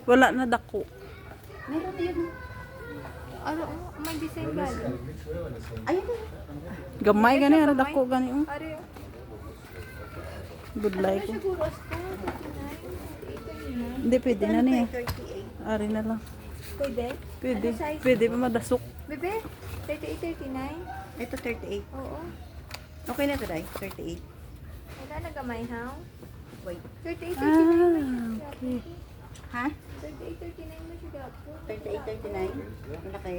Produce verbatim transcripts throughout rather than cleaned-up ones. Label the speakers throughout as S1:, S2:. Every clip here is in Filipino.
S1: Wala na dako.
S2: Meron din.
S3: Ano, oh, may design ba?
S2: Ayun din.
S1: Gamay gani ara dako gani oh.
S3: Are,
S1: Good
S3: ano
S1: like.
S3: na siguro as to? thirty-nine?
S1: Hindi pwede na niya.
S2: thirty-eight.
S1: Ari na lang.
S3: Pwede?
S1: Pwede.
S3: Ano size?
S1: Pwede pa madasok.
S3: Bebe, thirty-eight, thirty-nine?
S2: Ito thirty-eight.
S3: Oo.
S2: Okay na to, Day. thirty-eight.
S3: Wala na gamay, ha?
S2: Wait.
S3: thirty-eight, thirty-nine.
S1: Ah, okay.
S2: Ha?
S3: thirty-eight, thirty-nine mo siya dapo.
S2: thirty-eight, thirty-nine. Malaki.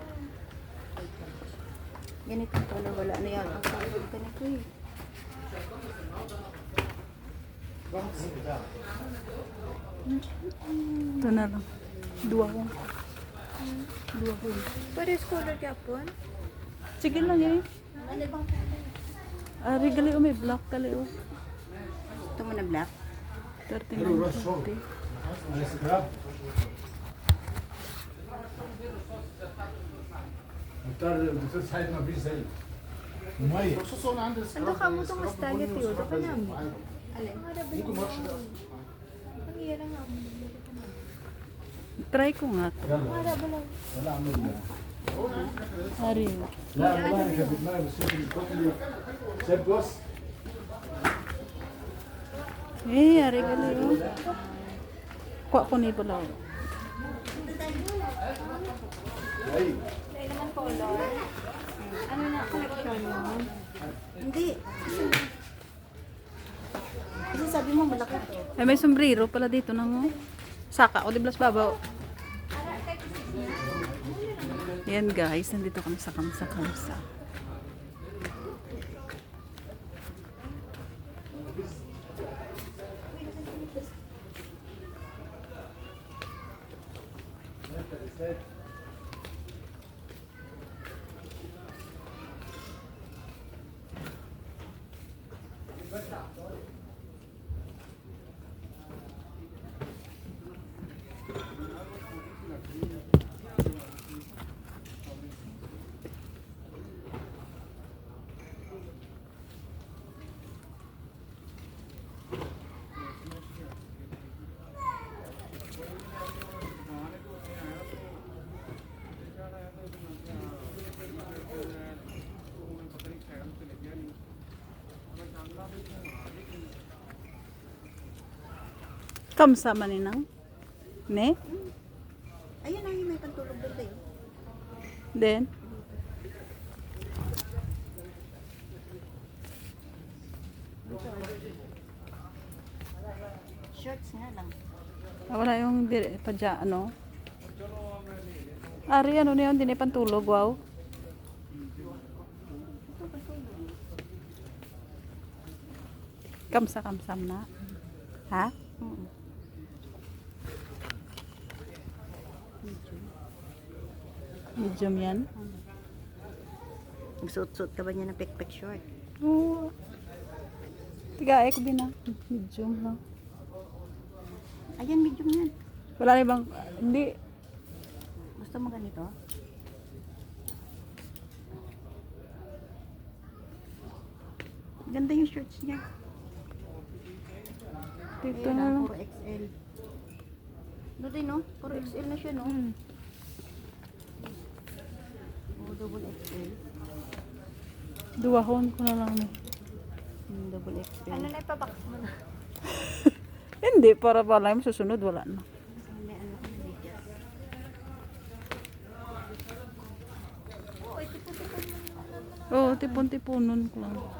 S2: Ganito ko na wala na yan. Ang pagod ka na ko eh.
S1: Ito na lang. Dua ko. Dua ko.
S3: Pares color Japon?
S1: Sige lang eh. Ari gali oh, may black gali oh.
S2: Ito mo na black.
S1: thirty-nine forty.
S4: بتصير ساعات ما فيش زي مميز خصوصا عند
S3: Ano ka mo itong mustang ito yun? Baka namin. Alin?
S4: ممكن ما اعرفش ده
S3: Ang iya lang nga.
S1: Try ko nga to.
S4: يلا
S3: Mara ba lang?
S4: ولا اعمل ده
S1: Ari.
S4: لا والله انا كان في دماغي بس انت بتقولي شايف بص
S1: Eh, ari gali oh. Kuha ko ni pala. oh.
S4: ايوه
S3: Dahil naman color. Ano na collection mo?
S2: Hindi. Kasi sabi mo malaki.
S1: Eh, may sombrero pala dito nang oh. Saka o di blas babaw. Yan guys, nandito kami sa Kamsa Kamsa. Kamsa maninang? Ne?
S2: Ayun ay may pantulog doon tayo.
S1: Then?
S2: Shorts nga lang.
S1: Ah, wala yung dire, padya, ano? Ari, ano na yun? Di na pantulog, wow. Kamsa-kamsam na. Ha?
S2: Mm.
S1: Medium yan?
S2: Magsuot-suot ka ba niya ng pek-pek short?
S1: Oo. Tiga, eh, ko din na. Medium lang.
S2: Ayan, medium yan.
S1: Wala na ibang, hindi.
S2: Gusto mo ganito? Ganda yung shorts niya.
S1: Dito
S2: Ayun
S1: na
S2: lang,
S1: lang.
S2: puro X L. Doon din, no? Puro X L na siya, no?
S1: Hmm.
S2: Oh, double X L.
S1: Duwahon ko na lang. eh.
S2: Hmm, double X L.
S3: Ano na ipabox mo na?
S1: Hindi, para pala yung susunod, wala na.
S2: May ano ko na dito.
S3: Oo, ito po ito.
S1: Oo, tipon-tiponon ko lang.